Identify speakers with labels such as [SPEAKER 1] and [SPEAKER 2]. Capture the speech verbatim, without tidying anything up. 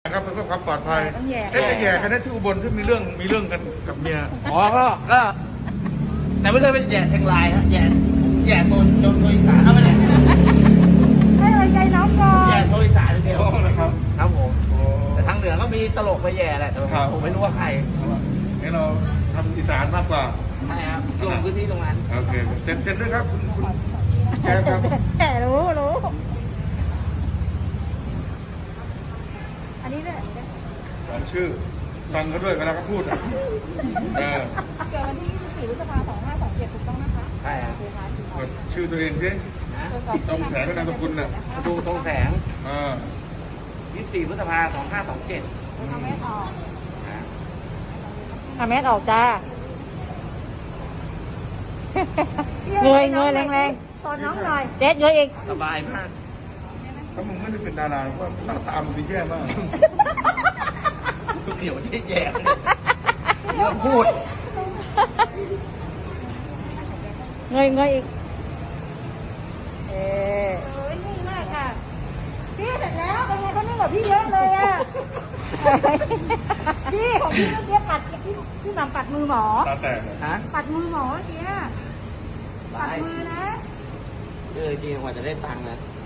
[SPEAKER 1] ครับเพื่อความปลอดภัย
[SPEAKER 2] ต้องแย่
[SPEAKER 1] เอ๊ะแย่กันนะที่อุบลที่มีเรื่องมีเรื่องกันกับเมีย
[SPEAKER 3] อ๋อก็ก็แต่ไม่เคยเป็นแย่เชียงรายฮะแย่แย่โซนโซนโซนอีสานเอาไปเลย
[SPEAKER 2] ให้กำลังใจน้องก่อน
[SPEAKER 3] แย่โซนอีสานเดียว
[SPEAKER 1] โอ้นะครับ
[SPEAKER 3] ครับผม
[SPEAKER 1] โอ้
[SPEAKER 3] แต่ทางเหนือก็มีตลกไปแย่แหละแต่
[SPEAKER 1] ครับ
[SPEAKER 3] ผมไม่รู้ว่าใคร
[SPEAKER 1] งั้นเราทำอีสานมากกว่า
[SPEAKER 3] ใช่ครับลงพื้นที่ตรงนั้น
[SPEAKER 1] โอเคเซ็นเซ็นด้วยครับคุณคุณแกครับ
[SPEAKER 2] แต่รู้รู้อันนี้ด้วย
[SPEAKER 1] สอนชื่อฟังเขาด้วยเวลาเขาพูดอ่ะเออ
[SPEAKER 2] เกิดวันที่ยี่สิบสี่พฤษภาคมสองห้าสองเจ็ดถูกต้องนะคะ
[SPEAKER 3] ใช่ครับ
[SPEAKER 2] โอเคค่ะ
[SPEAKER 1] กดชื่อตัวเองสิ
[SPEAKER 3] นะ
[SPEAKER 1] ตรงแสงกับนามสกุลน่ะ
[SPEAKER 3] ดูตรงแสง
[SPEAKER 1] เออ
[SPEAKER 3] ยี่สิบสี่พฤษภาสองห้าสองเจ็ด
[SPEAKER 2] ทำแม่ออก
[SPEAKER 3] นะ
[SPEAKER 2] ทำแม่ออกจ้าเงยเงยแรงๆชนน้องหน่อยเจ๊เงยอีก
[SPEAKER 3] สบายมาก
[SPEAKER 1] ถ้ามึงไม่ได้เป็นดาราว่าหน้าตามึงจะแย่มาก
[SPEAKER 3] ทุกเดี๋ยวที่แย่เรื่องพูด
[SPEAKER 2] เงยเงยอีกเออโอ้ยนิ่งมากค่ะพี่เสร็จแล้วเป็นไงเขานิ่งกว่าพี่เยอะเลยอ่ะพี่ของพี่เมื่อกี้ปัดพี่พี่หม่ำปัดมือหมอ
[SPEAKER 1] ตาแตกเลย
[SPEAKER 3] ฮะ
[SPEAKER 2] ปัดมือหมอเมื่อกี้ปัดมือนะ
[SPEAKER 3] เออจริงกว่าจะได้ตังค์นะ
[SPEAKER 2] เ